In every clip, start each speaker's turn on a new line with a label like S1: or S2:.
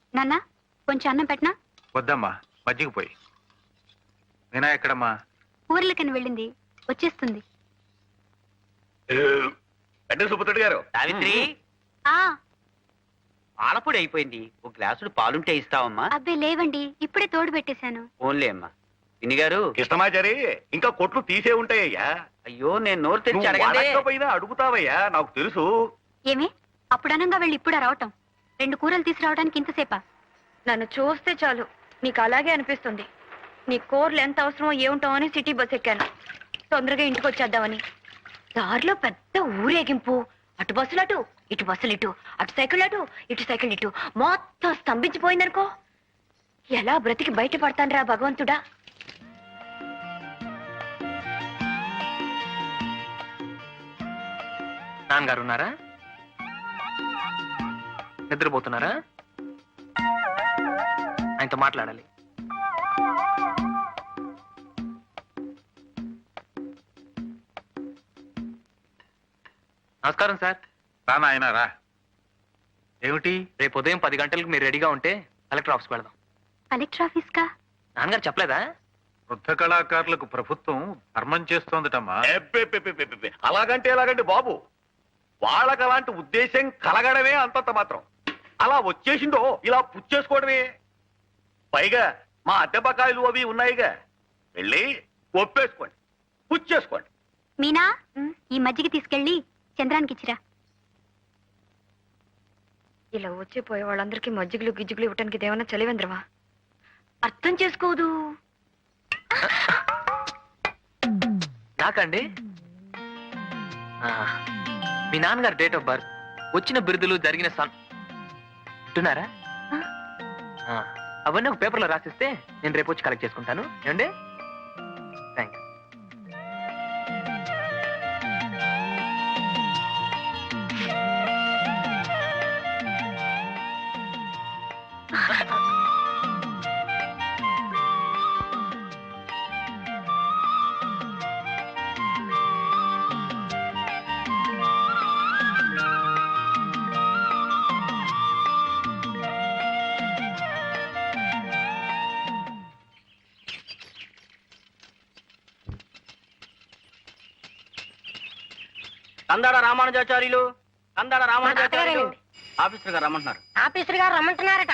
S1: నాన్న కొంచెం అన్నం పెట్టనా?
S2: వద్దమ్మా, మజ్జిగ పోయి. మీనా ఎక్కడమ్మా?
S1: ఊర్లకని వెళ్ళింది, వచ్చేస్తుంది.
S3: అంటే సుబ్బతుడి గారు.
S4: సావిత్రి,
S1: ఆ
S4: పాలపొడి అయిపోయింది, ఒక గ్లాసుడు పాలుంటే ఇస్తావమ్మా?
S1: అబ్బే లేవండి, ఇప్పుడే తోడు పెట్టేశాను.
S4: ఓన్లే అమ్మా. పిన్ని గారు.
S3: కృష్ణమాచారి, ఇంకా కొట్లు తీసే ఉంటాయ్యా.
S4: అయ్యో, నేను నోరు తెరిచి అడగండి.
S3: అడగకపోయినా అడుగుతావయ్యా, నాకు తెలుసు.
S1: ఏమి అప్పుడు అనంగా వెళ్ళి ఇప్పుడా రావటం? 2 కూరలు తీసుకురావడానికి ఇంతసేపా?
S5: నన్ను చూస్తే చాలు నీకు అలాగే అనిపిస్తుంది. నీ కూరలు ఎంత అవసరమో ఏముంటామో అని సిటీ బస్ ఎక్కాను, తొందరగా ఇంటికి వచ్చేద్దామని. దారిలో పెద్ద ఊరేగింపు, అటు బస్సులు అటు, ఇటు బస్సులు ఇటు, అటు సైకిల్ అటు, ఇటు సైకిల్ ఇటు, మొత్తం స్తంభించిపోయిందనుకో. ఎలా బ్రతికి బయటపడతాను రా భగవంతుడా.
S6: నాన్నగారు ఉన్నారా? నిద్రపోతున్నారా? ఆయనతో మాట్లాడాలి. నమస్కారం సార్.
S2: రా నాయనా రా. ఏమిటి?
S6: రేపు ఉదయం 10 గంటలకు మీరు రెడీగా ఉంటే కలెక్టర్ ఆఫీస్కి వెళదాం.
S1: కలెక్టర్ ఆఫీస్ కా?
S6: నాన్నగారు చెప్పలేదా?
S2: వృద్ధ కళాకారులకు ప్రభుత్వం ధర్మం చేస్తోందటమ్మా.
S3: అలాగంటే ఎలాగండి బాబు, వాళ్ళకి అలాంటి ఉద్దేశం కలగడమే అంతంత మాత్రం. అలా వచ్చేసిందో ఇలా పుచ్చేసుకోవడమే. పైగా మా అద్దె బకాయిలు అవి ఉన్నాయిగా, వెళ్ళి ఒప్పేసుకోండి, పుచ్చేసుకోండి.
S1: మీనా, ఈ మజ్జిగ తీసుకెళ్ళి చంద్రానికి ఇచ్చిరా.
S5: ఇలా వచ్చిపోయే వాళ్ళందరికీ మజ్జిగులు గిజ్జిగులు ఇవ్వటానికి ఇదేమన్నా చలివేంద్రమా? అర్థం చేసుకోదు.
S6: నాకండి మీ నాన్నగారు డేట్ ఆఫ్ బర్త్, వచ్చిన బిరుదులు, జరిగిన వింటున్నారా? అవన్నీ ఒక పేపర్లో రాసిస్తే నేను రేపు వచ్చి కలెక్ట్ చేసుకుంటాను. ఏమండి? Thank you.
S4: Kandada Ramanujacharyulu, Kandada Ramanujacharyulu officer గారు రమ్మంటున్నారు.
S5: ఆఫీసర్ గారు రమ్మంటున్నారట.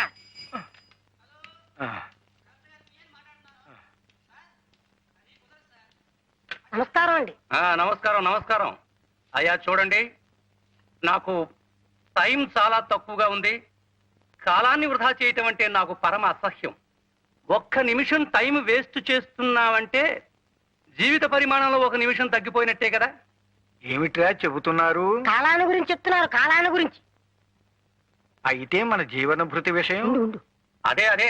S5: నమస్కారం అండి.
S7: నమస్కారం నమస్కారం. అయ్యా చూడండి, నాకు టైం చాలా తక్కువగా ఉంది. కాలాన్ని వృధా చేయటం అంటే నాకు పరమ అసహ్యం. ఒక్క నిమిషం టైం వేస్ట్ చేస్తున్నావంటే జీవిత పరిమాణంలో 1 నిమిషం తగ్గిపోయినట్టే కదా.
S8: ఏమిట్రా చెబుతున్నారు?
S5: కాలాన్ని గురించి చెప్తున్నారు, కాలాన్ని గురించి.
S8: అయితే మన జీవన భృతి విషయం.
S7: అదే అదే,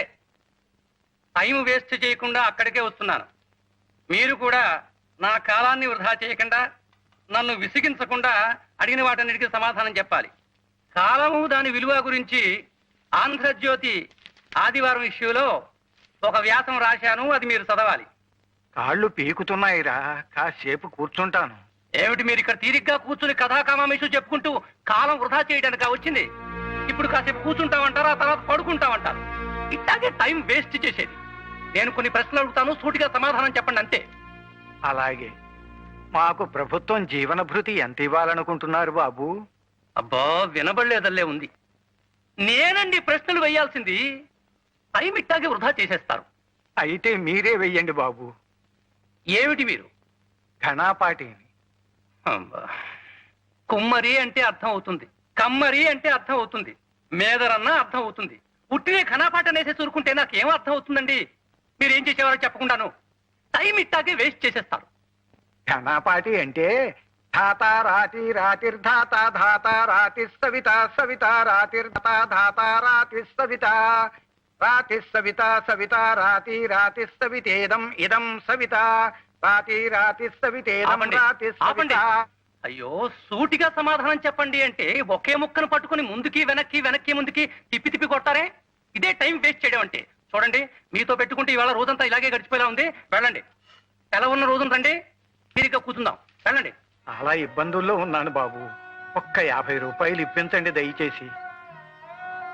S7: టైం వేస్ట్ చేయకుండా అక్కడికే వస్తున్నాను. మీరు కూడా నా కాలాన్ని వృధా చేయకుండా, నన్ను విసిగించకుండా అడిగిన వాటన్నిటికీ సమాధానం చెప్పాలి. కాలము దాని విలువ గురించి ఆంధ్రజ్యోతి ఆదివారం ఇష్యూలో ఒక వ్యాసం రాశాను, అది మీరు చదవాలి.
S8: కాళ్ళు పీకుతున్నాయిరా, కాసేపు కూర్చుంటాను.
S7: ఏమిటి మీరు ఇక్కడ తీరిగ్గా కూర్చుని కథాకామేషు చెప్పుకుంటూ కాలం వృధా చేయడానికి వచ్చింది? ఇప్పుడు కాసేపు కూర్చుంటామంటారు, ఆ తర్వాత పడుకుంటామంటారు. ఇట్లాగే టైం వేస్ట్ చేసేది. నేను కొన్ని ప్రశ్నలు అడుగుతాను, సూటిగా సమాధానం చెప్పండి అంతే.
S8: అలాగే. మాకు ప్రభుత్వం జీవన భృతి ఎంత ఇవ్వాలనుకుంటున్నారు బాబు?
S7: అబ్బా, వినబడలేదల్లే ఉంది. నేనండి ప్రశ్నలు వేయాల్సింది. టైం ఇట్టాగే వృధా చేసేస్తారు.
S8: అయితే మీరే వెయ్యండి బాబు.
S7: ఏమిటి మీరు?
S8: ఘనాపాటిని.
S7: అబ్బా, కుమ్మరి అంటే అర్థం అవుతుంది, కమ్మరి అంటే అర్థం అవుతుంది, మేదరన్న అర్థం అవుతుంది. పుట్టినే ఘనాపాట అనేసి చూరుకుంటే నాకేం అర్థం అవుతుందండి? మీరేం చేసేవారో చెప్పకుండాను టైం ఇట్టాగే వేస్ట్ చేసేస్తారు.
S8: ఘనాపాటి అంటే ధాత రాతి రాతిర్ధాత ధాత రాతి సవిత సవిత రాతిర్ధాత ధాత రాతి సవిత రాతి సవిత సవిత రాతి రాతి సవితేదం ఇదం సవిత రాతి రాతి సవితేదం రాతి సవిత.
S7: అయ్యో, సూటిగా సమాధానం చెప్పండి అంటే ఒకే ముక్కను పట్టుకుని ముందుకి వెనక్కి వెనక్కి ముందుకి తిప్పి తిప్పి కొట్టారే. ఇదే టైం వేస్ట్ చేయడం అంటే. చూడండి, మీతో పెట్టుకుంటే ఇవాళ రోజంతా ఇలాగే గడిచిపోయేలా ఉంది. వెళ్ళండి, ఎలా ఉన్న రోజున రండి, తీరిగ్గా కూర్చుందాం. వెళ్ళండి.
S8: చాలా ఇబ్బందుల్లో ఉన్నాను బాబు, ఒక్క 50 రూపాయలు ఇప్పించండి దయచేసి.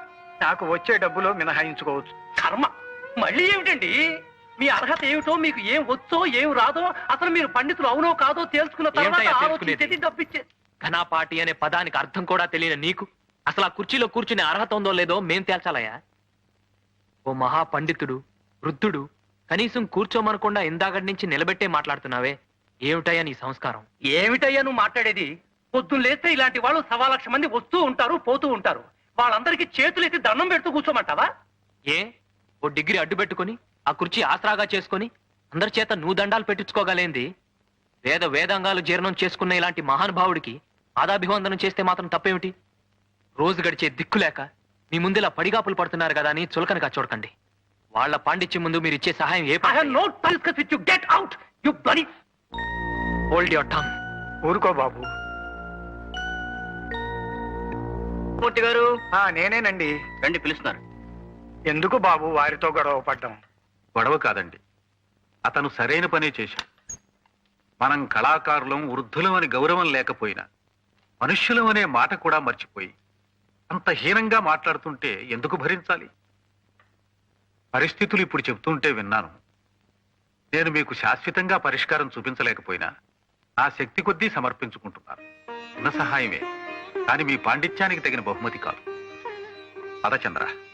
S8: నాకు వచ్చే డబ్బులో మినహాయించుకోవచ్చు.
S7: కర్మ మళ్ళీ ఏమిటండి? మీ అర్హత ఏమిటో, మీకు ఏం వచ్చో ఏం రాదో, అసలు మీరు పండితులు అవునో కాదో తేల్చుకున్న తర్వాత
S6: ఏమిటయ్యా
S7: ఆలోచించేది
S6: తెలుసుకునేది?
S7: డబ్బిచ్చే.
S6: ఘనాపాటి అనే పదానికి అర్థం కూడా తెలియని నీకు అసలు ఆ కుర్చీలో కూర్చునే అర్హత ఉందో లేదో మేం తేల్చాలయ్యా. ఓ మహా పండితుడు, వృద్ధుడు కనీసం కూర్చోమనకుండా ఇందాకటి నుంచి నిలబెట్టే మాట్లాడుతున్నావే, ఏమిటయ్యా నీ సంస్కారం?
S7: ఏమిటయ్యా నువ్వు మాట్లాడేది? పొద్దున్న లేస్తే ఇలాంటి వాళ్ళు 1,00,000 మంది వస్తూ ఉంటారు, పోతూ ఉంటారు. వాళ్ళందరికీ చేతులెత్తి దండం పెడుతూ కూర్చోమంటావా?
S6: ఏ ఓ డిగ్రీ అడ్డు పెట్టుకుని ఆ కుర్చీ ఆసరాగా చేసుకుని అందరి చేత నువ్వు దండాలు పెట్టించుకోగలేంది? వేదాంగాలు జీర్ణం చేసుకున్న ఇలాంటి మహానుభావుడికి పాదాభివందనం చేస్తే మాత్రం తప్పేమిటి? రోజు గడిచే దిక్కులేక మీ ముందులా పడిగాపులు పడుతున్నారు కదా అని చులకనగా చూడకండి. వాళ్ళ పాండిత్యం ముందు మీరు ఇచ్చే సహాయం ఏ
S7: I have no time to discuss with you. Get out, you bloody...
S6: hold your tongue.
S8: ఊరుకో బాబు.
S3: మూర్తి గారు
S8: నేనేనండి.
S3: రండి, పిలుస్తున్నారు.
S8: ఎందుకు బాబు వారితో గొడవ పడ్డం?
S2: గొడవ కాదండి, అతను సరైన పనే చేశాడు. మనం కళాకారులం, వృద్ధులం అని గౌరవం లేకపోయినా మనుష్యులం అనే మాట కూడా మర్చిపోయి అంత హీనంగా మాట్లాడుతుంటే ఎందుకు భరించాలి? పరిస్థితులు ఇప్పుడు చెబుతుంటే విన్నాను. నేను మీకు శాశ్వతంగా పరిష్కారం చూపించలేకపోయినా నా శక్తి కొద్దీ సమర్పించుకుంటున్నాను. చిన్న సహాయమే, కానీ మీ పాండిత్యానికి తగిన బహుమతి కాదు. పద చంద్ర.